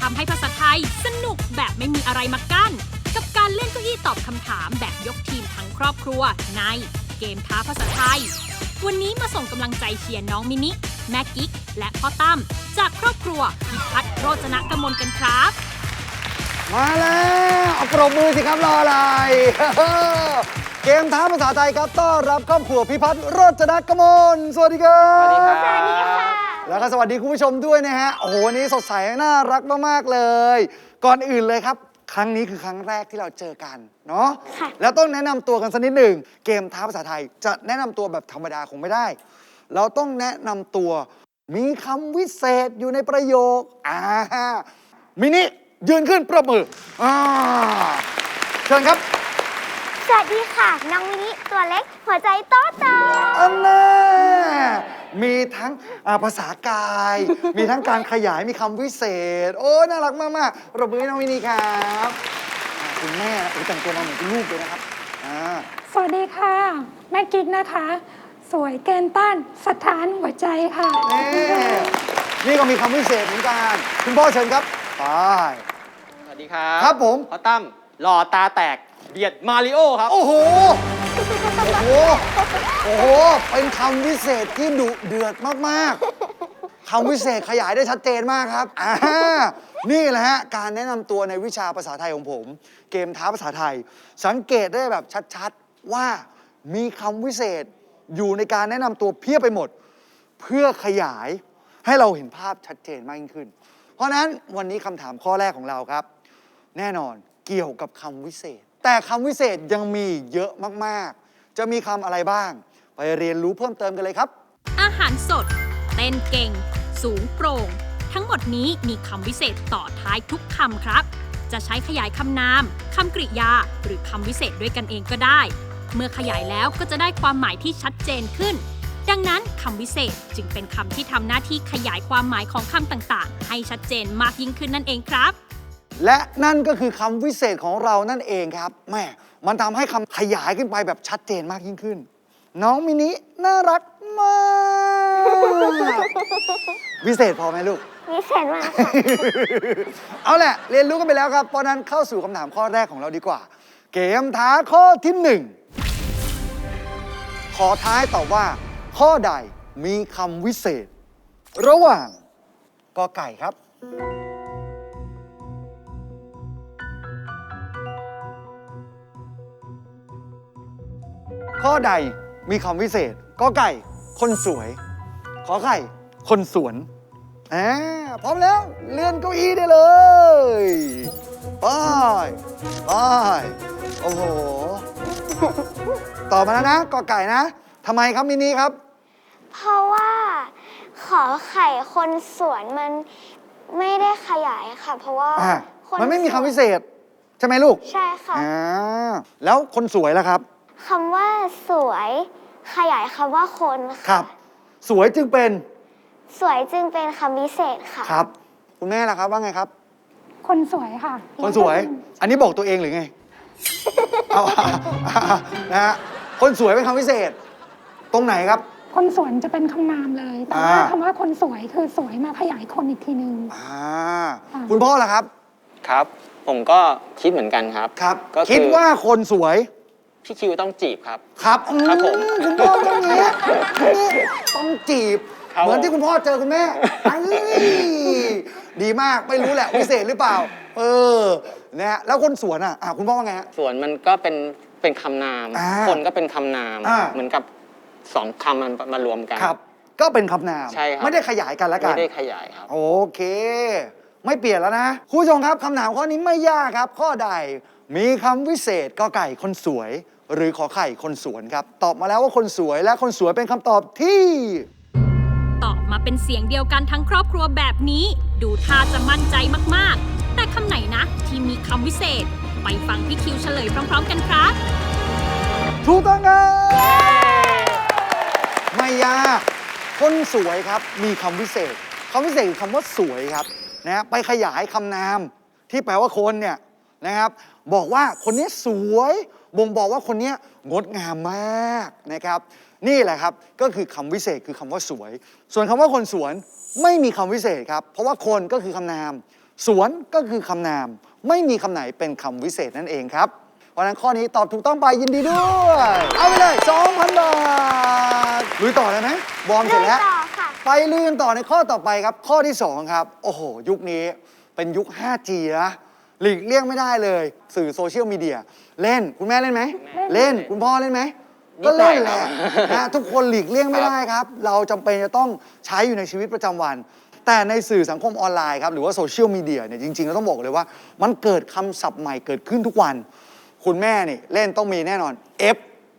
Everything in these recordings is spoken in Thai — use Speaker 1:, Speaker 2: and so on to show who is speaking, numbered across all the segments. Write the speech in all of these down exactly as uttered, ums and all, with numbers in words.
Speaker 1: ำให้ภาษาไทยสนุกแบบไม่มีอะไรมากั้นกับการเล่นเก้าอี้ตอบคำถามแบบยกทีมทั้งครอบครัวในเกมท้าภาษาไทยวันนี้มาส่งกำลังใจเชียร์น้องมินิแม่กิ๊กและพ่อตั้มจากครอบครัวพิพัฒน์โรจนกมลกันครับ
Speaker 2: มาแล้วเอาปรบมือสิครับรออะไรเกมท้าภาษาไทยครับต้อนรับครอบครัวพิพัฒน์โรจนกมลสวัสดีครับ
Speaker 3: สวัสดีครับสวัสดีค่ะ
Speaker 2: แล้วก็สวัสดีคุณผู้ชมด้วยนะฮะโอ้โหวันนี้สดใสน่ารักมากๆเลยก่อนอื่นเลยครับครั้งนี้คือครั้งแรกที่เราเจอกันเนาะแล้วต้องแนะนำตัวกันสักนิดหนึ่งเกมท้าภาษาไทยจะแนะนำตัวแบบธรรมดาคงไม่ได้เราต้องแนะนำตัวมีคำวิเศษอยู่ในประโยคอ่ามินิยืนขึ้นปรบมืออ่าเชิญครับ
Speaker 3: สวัสดีค่ะน้องมินิตัวเล็กหัวใจโตโต
Speaker 2: อันน่ามีทั้งภาษากาย มีทั้งการขยายมีคำวิเศษโอ้น่ารักมากๆปรบมือให้น้องมินิครับคุณแม่โอ้แต่งตัวมาเหมือนคุณลูกเลยนะครับ
Speaker 4: สวัสดีค่ะแม่กิ๊กนะคะสวยเกินต้านสถานหัวใจค่ะ
Speaker 2: นี่ก็มีคำวิเศษเหมือนกันคุณพ่อเชิญครับไป
Speaker 5: สวัสดีครับ
Speaker 2: ครับผม
Speaker 5: พ่อตั้มหล่อตาแตกเบียดมาริโอครับ
Speaker 2: โอ้โหโอ้โหโอ้โหเป็นคำวิเศษที่ดุเดือดมากๆคำวิเศษขยายได้ชัดเจนมากครับอ่านี่แหละฮะการแนะนำตัวในวิชาภาษาไทยของผมเกมท้าภาษาไทยสังเกตได้แบบชัดๆว่ามีคำวิเศษอยู่ในการแนะนำตัวเพียบไปหมดเพื่อขยายให้เราเห็นภาพชัดเจนมากยิ่งขึ้นเพราะนั้นวันนี้คำถามข้อแรกของเราครับแน่นอนเกี่ยวกับคำวิเศษแต่คำวิเศษยังมีเยอะมากๆจะมีคำอะไรบ้างไปเรียนรู้เพิ่มเติมกันเลยครับ
Speaker 1: อาหารสดเต้นเก่งสูงโปร่งทั้งหมดนี้มีคำวิเศษต่อท้ายทุกคำครับจะใช้ขยายคำนามคำกริยาหรือคำวิเศษด้วยกันเองก็ได้เมื่อขยายแล้วก็จะได้ความหมายที่ชัดเจนขึ้นดังนั้นคำวิเศษจึงเป็นคำที่ทำหน้าที่ขยายความหมายของคำต่างๆให้ชัดเจนมากยิ่งขึ้นนั่นเองครับ
Speaker 2: และนั่นก็คือคำวิเศษของเรานั่นเองครับแม่มันทำให้คำขยายขึ้นไปแบบชัดเจนมากยิ่งขึ้นน้องมินิน่ารักมากวิเศษพอไหมลูก
Speaker 3: วิเศษมากค่ะ
Speaker 2: เอาแหละเรียนรู้กันไปแล้วครับเพราะนั้นเข้าสู่คำถามข้อแรกของเราดีกว่าเกมท้าข้อที่หนึ่งขอท้ายตอบว่าข้อใดมีคำวิเศษระหว่างกอไก่ครับข้อใดมีคำวิเศษกอไก่คนสวยขอไข่คนสวนอ่าพร้อมแล้วเลื่อนเก้าอี้ได้เลยไปไปโอ้โหตอบมาแล้วนะกอไก่นะทำไมครับมินิครับ
Speaker 3: เพราะว่าขอไข่คนสวนมันไม่ได้ขยายค่ะเพราะว่า
Speaker 2: มันไม่มีคำวิเศษใช่ไหมลูก
Speaker 3: ใช่ค่ะ
Speaker 2: อ่าแล้วคนสวยล่ะครับ
Speaker 3: คำว่าสวยขยายคำว่าคนค่ะ
Speaker 2: ครับสวยจึงเป็น
Speaker 3: สวยจึงเป็นคำวิเศษค่ะ
Speaker 2: ครับคุณแม่ล่ะครับว่าไงครับ
Speaker 4: คนสวยค่ะ
Speaker 2: คนสวยอันนี้บอกตัวเองหรือไงเอานะฮะคนสวยเป็นคำวิเศษตรงไหนครับ
Speaker 4: คนสวนจะเป็นคำนามเลยแต่ว่าคำว่าคนสวยคือสวยมาขยายคนอีกทีนึง
Speaker 2: คุณพ่อล่ะครับ
Speaker 5: ครับผมก็คิดเหมือนกันครับ
Speaker 2: ครับคิดว่าคนสวย
Speaker 5: พี่คิวต้องจีบครับ
Speaker 2: ครับ
Speaker 5: ครับผม
Speaker 2: คุณพ่อต้องนี้ต้องจีบเหมือนที่คุณพ่อเจอคุณแม่ดีมากไม่รู้แหละวิเศษหรือเปล่าเออนะฮะแล้วคนสวนอ่ะคุณพ่อว่าไงฮะ
Speaker 5: สวนมันก็เป็นเป็นคำนามคนก็เป็นคำนามเหมือนกับสองคำมันมารวมกัน
Speaker 2: ครับก็เป็นคำนาม
Speaker 5: ใช่ครับ
Speaker 2: ไม่ได้ขยายกันแล้วกัน
Speaker 5: ไม่ได้ขยายครับ
Speaker 2: โอเคไม่เปลี่ยนแล้วนะคุณผู้ชมครับคำถามข้อนี้ไม่ยากครับข้อใดมีคำวิเศษกอไก่คนสวยหรือขอไข่คนสวนครับตอบมาแล้วว่าคนสวยและคนสวยเป็นคำตอบที่
Speaker 1: ตอบมาเป็นเสียงเดียวกันทั้งครอบครัวแบบนี้ดูท่าจะมั่นใจมากๆแต่คำไหนนะที่มีคำวิเศษไปฟังพี่คิวเฉลยพร้อมๆกันครับ
Speaker 2: ถูกต้องครับไม่ยากคนสวยครับมีคำวิเศษคำวิเศษคือคำว่าสวยครับนะไปขยายคำนามที่แปลว่าคนเนี่ยนะครับบอกว่าคนนี้สวยบ่งบอกว่าคนนี้งดงามมากนะครับนี่แหละครับก็คือคำวิเศษคือคำว่าสวยส่วนคำว่าคนสวนไม่มีคำวิเศษครับเพราะว่าคนก็คือคำนามสวนก็คือคำนาม ไม่มีคำไหนเป็นคำวิเศษนั่นเองครับ เพราะฉะนั้นข้อนี้ตอบถูกต้องไปยินดีด้วย เอาไปเลย สองพัน บาทลุยต่อเลยไหมวอร์มเสร็จแล้ว
Speaker 3: ลุยต่อค่ะ
Speaker 2: ไปลุยกันต่อในข้อต่อไปครับ ข้อที่ สอง ครับ โอ้โห ยุคนี้เป็นยุค ไฟว์จี นะหลีกเลี่ยงไม่ได้เลย สื่อโซเชียลมีเดียเล่นคุณแม่เล่นไหม เล่นคุณพ่อเล่นไหม ก็เล่นแหละนะทุกคนหลีกเลี่ยงไม่ได้ครับ เราจำเป็นจะต้องใช้อยู่ในชีวิตประจำวัน แต่ในสื่อสังคมออนไลน์ครับหรือว่าโซเชียลมีเดียเนี่ยจริงๆเราต้องบอกเลยว่า มันเกิดคำศัพท์ใหม่เกิดขึ้นทุกวัน คุณแม่นี่เล่นต้องมีแน่นอน F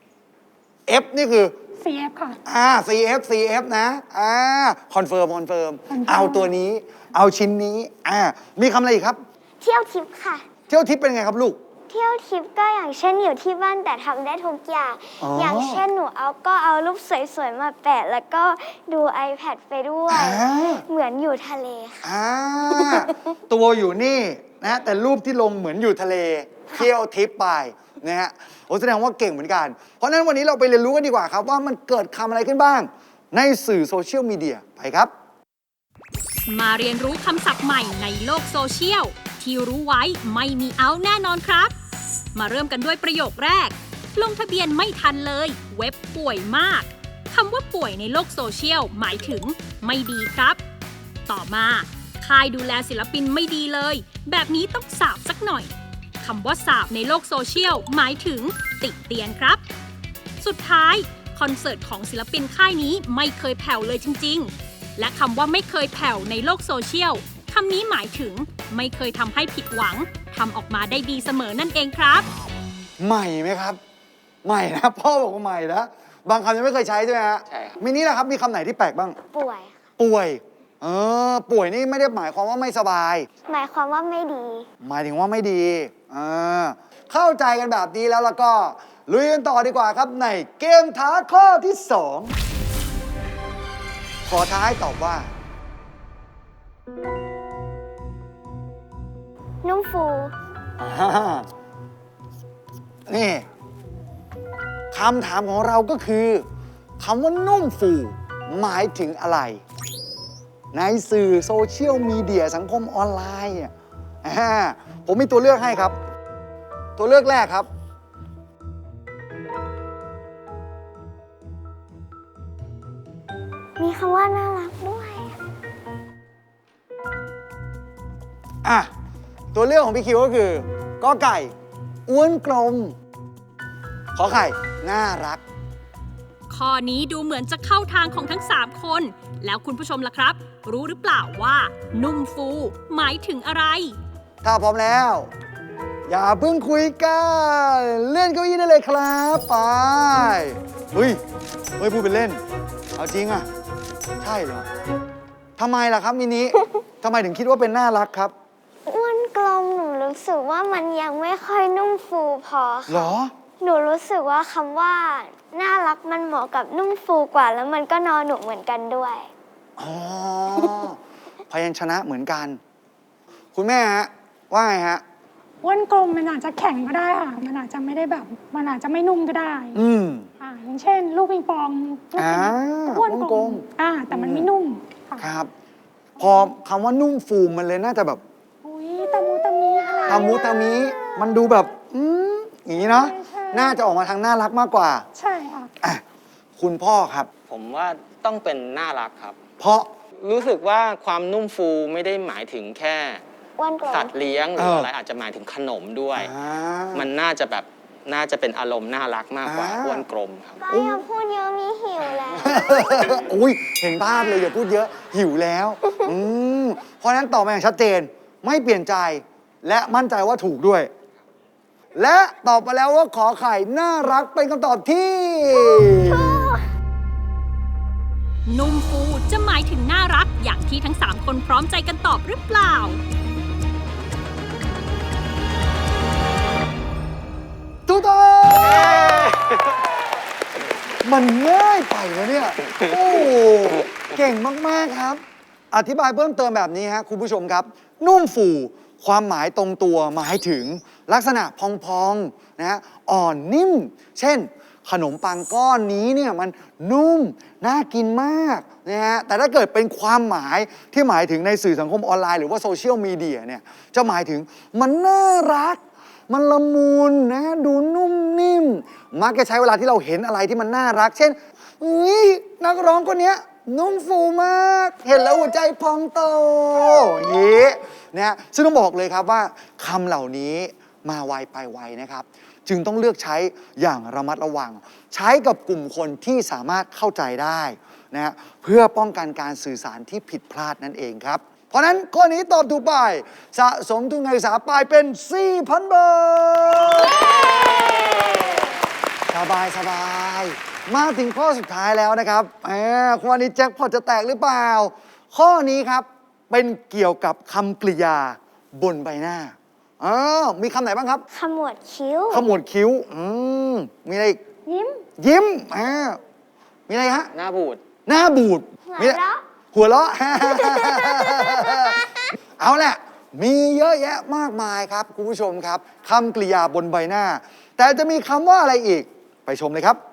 Speaker 2: F นี่คือ
Speaker 4: ซี เอฟ ค่ะ
Speaker 2: อ่า ซี เอฟ ซี เอฟ นะ อ่า คอนเฟิร์ม คอนเฟิร์ม เอาตัวนี้ เอาชิ้นนี้ อ่า มีคำอะไรอีกครับ
Speaker 3: เที่ยวทิปค่ะ
Speaker 2: เที่ยวทิปเป็นไงครับลูก
Speaker 3: เที่ยวทิปก็อย่างเช่นอยู่ที่บ้านแต่ทำได้ทุกอย่าง
Speaker 2: อ๋อ
Speaker 3: อ
Speaker 2: อย่าง
Speaker 3: เช่นหนูเอาก็เอารูปสวยๆมาแปะ แล้วก็ดู iPad ไปด้วย
Speaker 2: อ่า
Speaker 3: เหมือนอยู่ทะเลค่ะ
Speaker 2: อ่า ตัวอยู่นี่นะ แต่รูปที่ลงเหมือนอยู่ทะเล เที่ยวทิปไปนะฮะ โอ้แสดงว่าเก่งเหมือนกัน เพราะฉะนั้นวันนี้เราไปเรียนรู้กันดีกว่าครับ ว่ามันเกิดคำอะไรขึ้นบ้าง ในสื่อโซเชียลมีเดีย ไปครับ
Speaker 1: มาเรียนรู้คำศัพท์ใหม่ในโลกโซเชียลที่รู้ไว้ไม่มีเอาแน่นอนครับ มาเริ่มกันด้วยประโยคแรก ลงทะเบียนไม่ทันเลย เว็บป่วยมากคำว่าป่วยในโลกโซเชียลหมายถึงไม่ดีครับ ต่อมาค่ายดูแลศิลปินไม่ดีเลย แบบนี้ต้องสาบสักหน่อยคำว่าสาบในโลกโซเชียลหมายถึงติเตียนครับ สุดท้ายคอนเสิร์ตของศิลปินค่ายนี้ไม่เคยแผ่วเลยจริงๆ และคำว่าไม่เคยแผ่วในโลกโซเชียลคำนี้หมายถึงไม่เคยทำให้ผิดหวังทำออกมาได้ดีเสมอนั่นเองครับ
Speaker 2: ใหม่ไหมครับ ใหม่นะ พ่อบอกว่าใหม่นะ บางคำยังไม่เคยใช้ใช่ไหมฮะ
Speaker 5: ใช่ครับ
Speaker 2: มินี่นะครับ มีคำไหนที่แปลกบ้าง
Speaker 3: ป่วยค่ะ
Speaker 2: ป่วย เออ ป่วยนี่ไม่ได้หมายความว่าไม่สบาย
Speaker 3: หมายความว่าไม่ดี
Speaker 2: หมายถึงว่าไม่ดีเออเข้าใจกันแบบนี้แล้วแล้วก็ลุยกันต่อดีกว่าครับในเกมท้าข้อที่สองขอท้าให้ตอบว่า
Speaker 3: นุ่มฟู
Speaker 2: อ่านี่คำถามของเราก็คือคำว่านุ่มฟูหมายถึงอะไร ในสื่อโซเชียลมีเดียสังคมออนไลน์เนี่ยอ่าผมมีตัวเลือกให้ครับ ตัวเลือกแรกครับ
Speaker 3: มีคำว่าน่ารักด้วย
Speaker 2: อ่ะ ตัวเลือกของพี่คิวก็คือกอไก่อ้วนกลม ขอไข่ น่ารัก
Speaker 1: ข้อนี้ดูเหมือนจะเข้าทางของทั้งสามคน แล้วคุณผู้ชมล่ะครับ รู้หรือเปล่าว่า นุ่มฟูหมายถึงอะไร
Speaker 2: ถ้าพร้อมแล้ว อย่าเพิ่งคุยกันเลื่อนเก้าอี้ได้เลยครับไปเฮ้ยเฮ้ยพูดเป็นเล่น เอาจริงอ่ะ ใช่เหรอทำไมล่ะครับมินิ ทำไมถึงคิดว่าเป็นน่ารักครับ
Speaker 3: อ้วนกลมหนูรู้สึกว่ามันยังไม่ค่อยนุ่มฟูพอ
Speaker 2: เหร
Speaker 3: ค่ะ
Speaker 2: อ
Speaker 3: หนูรู้สึกว่าคำว่าน่ารักมันเหมาะกับนุ่มฟูกว่า แล้วมันก็นอนหนูเหมือนกันด้วย
Speaker 2: อ๋อ พยัญชนะเหมือนกัน คุณแม่ฮะ ว่าไงฮะ
Speaker 4: อ้วนกลมมันอาจจะแข็งก็ได้ค่ะ มันอาจจะไม่ได้แบบ มันอาจจะไม่นุ่มก็ได้
Speaker 2: อืม
Speaker 4: อ่าอย่างเช่น ลูกปิงปองลูก
Speaker 2: อ่า
Speaker 4: อ้วน
Speaker 2: อ้วน
Speaker 4: ก
Speaker 2: ก
Speaker 4: ล
Speaker 2: ล
Speaker 4: ม
Speaker 2: ม
Speaker 4: อ่า แต่มันไม่นุ่มค่ะ
Speaker 2: ครับ พอคำว่านุ่มฟูมันเลยน่าจะแบบ
Speaker 4: อุ้ยตะมูตะมีอะไร
Speaker 2: ตามุตามิมันดูแบบ อืมอย่างนี้เนาะ
Speaker 4: ใช่ใช่
Speaker 2: น่าจะออกมาทางน่ารักมากกว่า
Speaker 4: ใช่ค่ะ
Speaker 2: อ่ะ คุณพ่อครับ
Speaker 5: ผมว่าต้องเป็นน่ารักครับ
Speaker 2: เพราะ
Speaker 5: รู้สึกว่าความนุ่มฟูไม่ได้หมายถึงแค่
Speaker 3: อ้วนกลม
Speaker 5: สัตว์เลี้ยงหรือ
Speaker 2: เอออ
Speaker 5: อะไรอาจจะหมายถึงขนมด้วย
Speaker 2: อ่า
Speaker 5: มันน่าจะแบบน่าจะเป็นอารมณ์น่ารักมากกว่า
Speaker 2: อ่า
Speaker 5: อ้วนกลมครับ
Speaker 3: ก็อย่าพูดเยอะมีหิวแล้ว
Speaker 2: อุ้ยเห็นภาพเลยอย่าพูดเยอะ หิวแล้วอืมเพราะฉะนั้นตอบมาอย่างชัดเจน ไม่เปลี่ยนใจ และมั่นใจว่าถูกด้วย และตอบมาแล้วว่าขอไข่น่ารักเป็นคำตอบที่
Speaker 1: นุ่มฟูจะหมายถึงน่ารักอย่างที่ทั้งสามคนพร้อมใจกันตอบหรือเปล่า
Speaker 2: ถูกต้องมันง่ายไปนะเนี่ย โอ้เก่งมาก ๆ ครับ อธิบายเพิ่มเติมแบบนี้ฮะคุณผู้ชมครับ นุ่มฟูความหมายตรงตัวหมายถึงลักษณะพองๆนะฮะอ่อนนิ่ม เช่นขนมปังก้อนนี้เนี่ยมันนุ่มน่ากินมากนะฮะแต่ถ้าเกิดเป็นความหมายที่หมายถึงในสื่อสังคมออนไลน์หรือว่าโซเชียลมีเดียเนี่ยจะหมายถึงมันน่ารักมันละมุนนะดูนุ่มนิ่มมักจะใช้เวลาที่เราเห็นอะไรที่มันน่ารัก เช่นอุ้ยนักร้องคนนี้นุ่มฟูมากเห็นแล้วหัวใจพองโตอย่างนี้นะฮะซึ่งต้องบอกเลยครับว่าคำเหล่านี้มาไวไปไวนะครับจึงต้องเลือกใช้อย่างระมัดระวังใช้กับกลุ่มคนที่สามารถเข้าใจได้นะฮะเพื่อป้องกันการสื่อสารที่ผิดพลาดนั่นเองครับเพราะฉะนั้นข้อนี้ตอบถูกไปสะสมทุนการศึกษาไปเป็น สี่พัน บาทสบายสบายมาถึงข้อสุดท้ายแล้วนะครับแหมวันนี้แจ็คพอตจะแตกหรือเปล่าข้อนี้ครับเป็นเกี่ยวกับคำกริยาบนใบหน้าอ๋อมีคำไหนบ้างครับ
Speaker 3: ขมวดคิ้ว
Speaker 2: ขมวดคิ้วอืมมีอะไรอีก
Speaker 4: ยิ้ม
Speaker 2: ยิ้มอ่ามีอะไรฮะ
Speaker 5: หน้าบูด
Speaker 2: หน้าบูด
Speaker 3: หัว
Speaker 2: มี
Speaker 3: เราะ
Speaker 2: หัวเราะ เอาแหละ มีเยอะแยะมากมายครับคุณผู้ชมครับคำกริยาบนใบหน้า แต่จะมีคำว่าอะไรอีก ไปชมเลยครับ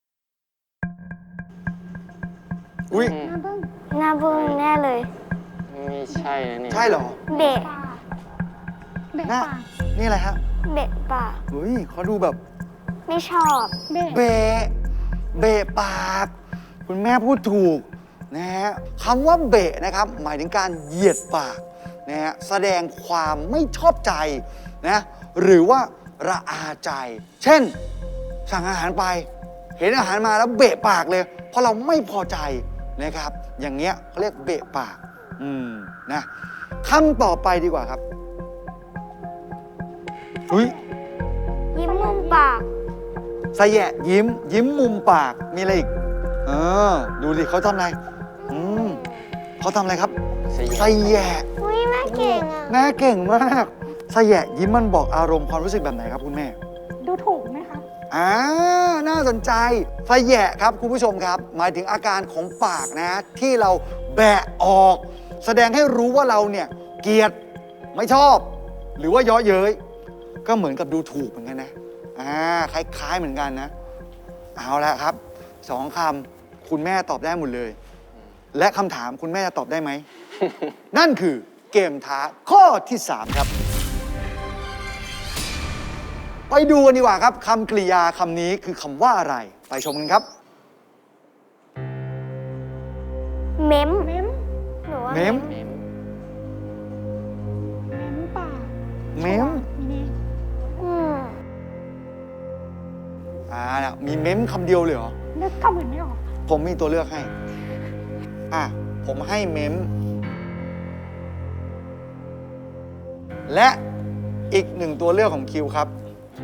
Speaker 2: อุ้ย
Speaker 4: หน้าเบิ้ง
Speaker 3: หน้าบึ้งแน่เลย
Speaker 5: ไม่ใช่นะเนี่ย
Speaker 2: ใช่เหรอ
Speaker 3: เบะ
Speaker 4: ปากเบะ
Speaker 2: หน้า
Speaker 4: ปาก
Speaker 2: นี่อะไรฮะ
Speaker 3: เบะปาก
Speaker 2: อุ้ยเขาดูแบบ
Speaker 3: ไม่ชอบ
Speaker 4: เบะ
Speaker 2: เบะเบะปาก คุณแม่พูดถูกนะฮะคำว่าเบะนะครับ หมายถึงการเหยียดปากนะฮะแสดงความไม่ชอบใจนะหรือว่าระอาใจ เช่น สั่งอาหารไป เห็นอาหารมาแล้วเบะปากเลย เพราะเราไม่พอใจนะครับ อย่างเงี้ยเขาเรียกเบะปาก อืมนะคำต่อไปดีกว่าครับอุ้ย
Speaker 3: ยิ้มมุมปาก
Speaker 2: สะแยะยิ้ม ยิ้มมุมปากมีอะไรอีกเออดูดิเขาทำอะไรอืมเขาทำอะไรครับ
Speaker 5: สะแยะ
Speaker 2: สะแยะ
Speaker 3: อุ้ยแม่เก่งอ่ะ
Speaker 2: แม่เก่งมากสะแยะยิ้มมันบอกอารมณ์ความรู้สึกแบบไหนครับคุณแม่
Speaker 4: ดูถูกไหมคะ
Speaker 2: อ่าน่าสนใจสะแยะครับคุณผู้ชมครับ หมายถึงอาการของปากนะ ที่เราแบะออก แสดงให้รู้ว่าเราเนี่ยเกลียดไม่ชอบ หรือว่าเยาะเย้ยก็เหมือนกับดูถูกเหมือนกันนะอ่าคล้ายๆเหมือนกันนะ เอาละครับสองคำคุณแม่ตอบได้หมดเลย และคำถามคุณแม่จะตอบได้ไหม นั่นคือเกมท้าข้อที่ สาม ครับ ไปดูกันดีกว่าครับคำกริยาคำนี้คือคำว่าอะไร ไปชมกันครับ
Speaker 3: เม้ม
Speaker 4: เม้ม
Speaker 3: หนูว่า
Speaker 2: เม้ม
Speaker 5: เมม
Speaker 4: เม้มปาก
Speaker 2: เม้ม
Speaker 4: มีนี่
Speaker 3: อืม
Speaker 2: อ่าน่ะมีเม้มคำเดียวเลยเหรอ
Speaker 4: นึกคำอื่นไม่ออก
Speaker 2: ผมมีตัวเลือกให้ อ่ะ ผมให้เม้ม และอีกหนึ่งตัวเลือกของคิวครับ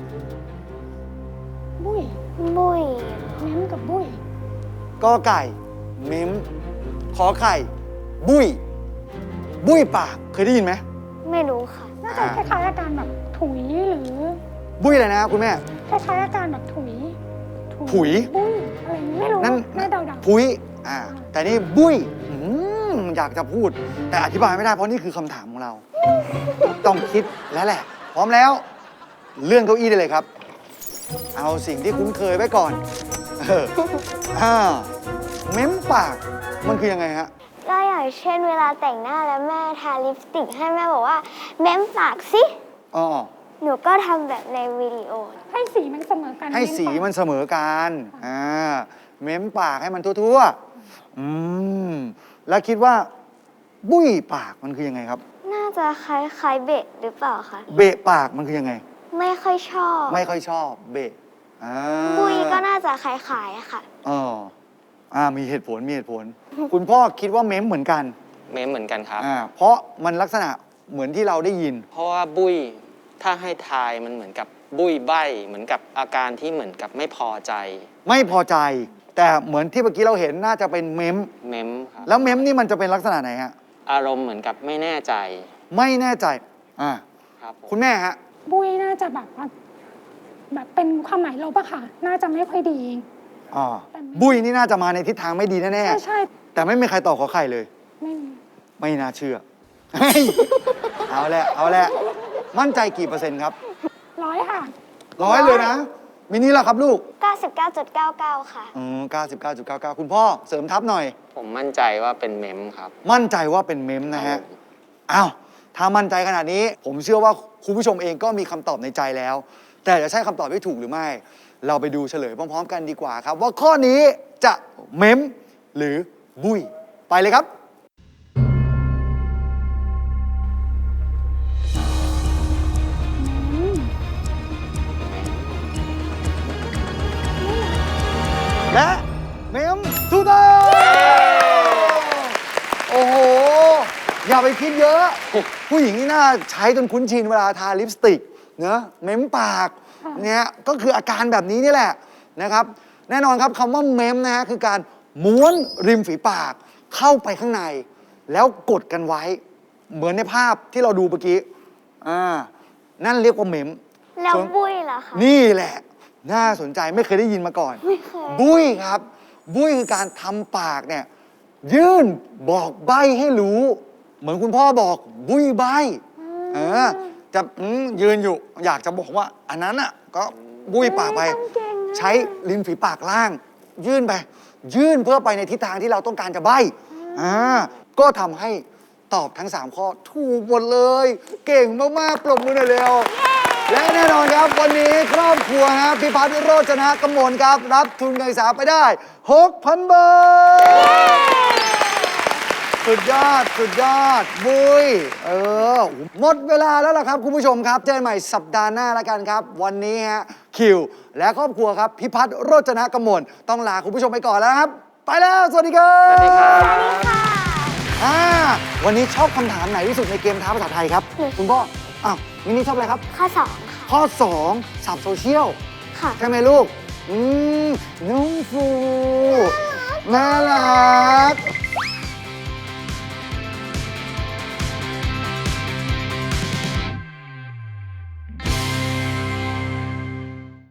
Speaker 4: บุ้ย
Speaker 3: บุย
Speaker 4: เม้มกับบุ้ย
Speaker 2: กอไก่ เม้ม ขอไข่ บุ้ย บุ้ยปาก เคยได้ยินไหม
Speaker 3: ไม่รู้ค่ะ
Speaker 4: น่าจะคล้ายๆอาการแบบถุยหรือ
Speaker 2: บุ้ยอะไรนะคุณแม่
Speaker 4: คล้ายๆอาการแบบถุย
Speaker 2: ผุย
Speaker 4: บุ้ยอะไรอย่างนี้ไม่รู้
Speaker 2: นั่น
Speaker 4: น่าเดา
Speaker 2: พุ้ย อ่า แต่นี่บุ้ยอืมอยากจะพูด แต่อธิบายไม่ได้เพราะนี่คือคำถามของเรา ต้องคิดแล้วแหละ พร้อมแล้ว เลื่อนเก้าอี้ได้เลยครับ เอาสิ่งที่คุ้นเคยไว้ก่อน เอออ่าเม้มปาก มันคือยังไงฮะ
Speaker 3: ก็อย่างเช่นเวลาแต่งหน้าแล้วแม่ทาลิปสติกให้แม่บอกว่าเม้มปากสิ
Speaker 2: อ๋อ
Speaker 3: หนูก็ทำแบบในวิดีโอ
Speaker 4: ๆให้สีมันเสมอกัน
Speaker 2: ให้สีมันเสมอกัน อ่า เม้มปากให้มันทั่วๆ อืม แล้วคิดว่า บุ้ยปากมันคือยังไงครับ
Speaker 3: น่าจะคล้ายๆเบะหรือเปล่าคะ
Speaker 2: เบะปากมันคือยังไง
Speaker 3: ไม่ค่อยชอบ
Speaker 2: ไม่ค่อยชอบ เบะอ่า
Speaker 3: บุยก็น่าจะคล้ายๆอะค่ะ
Speaker 2: อ๋ออ่า มีเหตุผล มีเหตุผล คุณพ่อคิดว่าเม้มเหมือนกัน
Speaker 5: เมมเหมือนกันครับ
Speaker 2: อ่า เพราะมันลักษณะเหมือนที่เราได้ยิน
Speaker 5: เพราะว่าบุ้ยถ้าให้ทายมันเหมือนกับบุ้ยใบเหมือนกับอาการที่เหมือนกับไม่พอใจ
Speaker 2: ไม่พอใจ แต่เหมือนที่เมื่อกี้เราเห็นน่าจะเป็นเม้ม
Speaker 5: เมมครับ
Speaker 2: แล้วเม้มนี่มันจะเป็นลักษณะไหนฮะ
Speaker 5: อารมณ์เหมือนกับไม่แน่ใจ
Speaker 2: ไม่แน่ใจ อ่า
Speaker 5: ครับผม
Speaker 2: คุณแม่ฮะ
Speaker 4: บุ้ยน่าจะแบบว่าแบบเป็นความหมายลบอะค่ะ น่าจะไม่ค่อยดี
Speaker 2: อ๋อ บุ้ยนี่น่าจะมาในทิศทางไม่ดีแน่
Speaker 4: ใช่ใช่
Speaker 2: ๆ แต่ไม่มีใครตอบขอไข่เลย
Speaker 4: ไม่มี
Speaker 2: ไม่น่าเชื่อ เฮ้ยเอาแหละ เอาแหละ มั่นใจกี่เปอร์เซ็นต์ครับ
Speaker 4: ร้อยค่ะ
Speaker 2: ร้อยเลยนะมินิล่ะครับลูก
Speaker 3: เก้าสิบเก้าจุดเก้าเก้า ค่ะ
Speaker 2: อืมเก้าสิบเก้าจุดเก้าเก้า คุณพ่อเสริมทับหน่อย
Speaker 5: ผมมั่นใจว่าเป็นเมมครับ
Speaker 2: มั่นใจว่าเป็นเมมนะฮะ อ้าว ถ้ามั่นใจขนาดนี้ ผมเชื่อว่าคุณผู้ชมเองก็มีคำตอบในใจแล้ว แต่จะใช่คำตอบที่ถูกหรือไม่ เราไปดูเฉลยพร้อมๆกันดีกว่าครับ ว่าข้อนี้จะเมมหรือบุยไปเลยครับ และเมมถูกต้องโอ้โห อย่าไปคิดเยอะ ผู้หญิงนี่น่าใช้จนคุ้นชินเวลาทาลิปสติกเนอะเม้มปากเนี่ยก็คืออาการแบบนี้นี่แหละนะครับ แน่นอนครับคำว่าเม้มนะฮะคือการม้วนริมฝีปากเข้าไปข้างใน แล้วกดกันไว้ เหมือนในภาพที่เราดูเมื่อกี้อ่านั่นเรียกว่าเม้ม
Speaker 3: แล้ว
Speaker 2: ส่วน
Speaker 3: บุ้ยเหรอคะ
Speaker 2: นี่แหละ น่าสนใจไม่เคยได้ยินมาก่อน
Speaker 3: ไม่เคย
Speaker 2: บุ้ยครับ บุ้ยคือการทำปากเนี่ย ยื่นบอกใบให้รู้ เหมือนคุณพ่อบอก บุ้ยใบเออจะอืมยืนอยู่ อยากจะบอกว่า อันนั้นอ่ะ ก็บุ้ยปากไป ใช้ริมฝีปากล่าง ยื่นไป ยื่นเพื่อไปในทิศทางที่เราต้องการจะใบอ่าก็ทำให้ตอบทั้ง สาม ข้อถูกหมดเลย เก่งมาก ๆ ปรบมือหน่อยเร็ว และแน่นอนครับวันนี้ครอบครัวฮะพิพัฒน์โรจนะกมลครับ รับทุนการศึกษาไปได้ หกพัน บาท สุดยอด สุดยอด บุยเออ หมดเวลาแล้วล่ะครับ คุณผู้ชมครับ เจอกันใหม่สัปดาห์หน้าแล้วกันครับ วันนี้ฮะคิว และครอบครัวครับ พิพัฒน์โรจนะกมลต้องลาคุณผู้ชมไปก่อนแล้วครับ ไปแล้ว สวัสดีครับ
Speaker 5: สวัสดีครับ
Speaker 2: อ่าวันนี้ชอบคำถามไหนที่สุดในเกมท้าภาษาไทยครับ คุณพ่ออ้าวมินนี่ชอบอะไรครับ
Speaker 3: ข้อสองค่ะ
Speaker 2: ข้อ สอง สับโซเชียล
Speaker 3: ค่ะ
Speaker 2: ใช่ไหมลูก อืมน้องฟูน่ารัก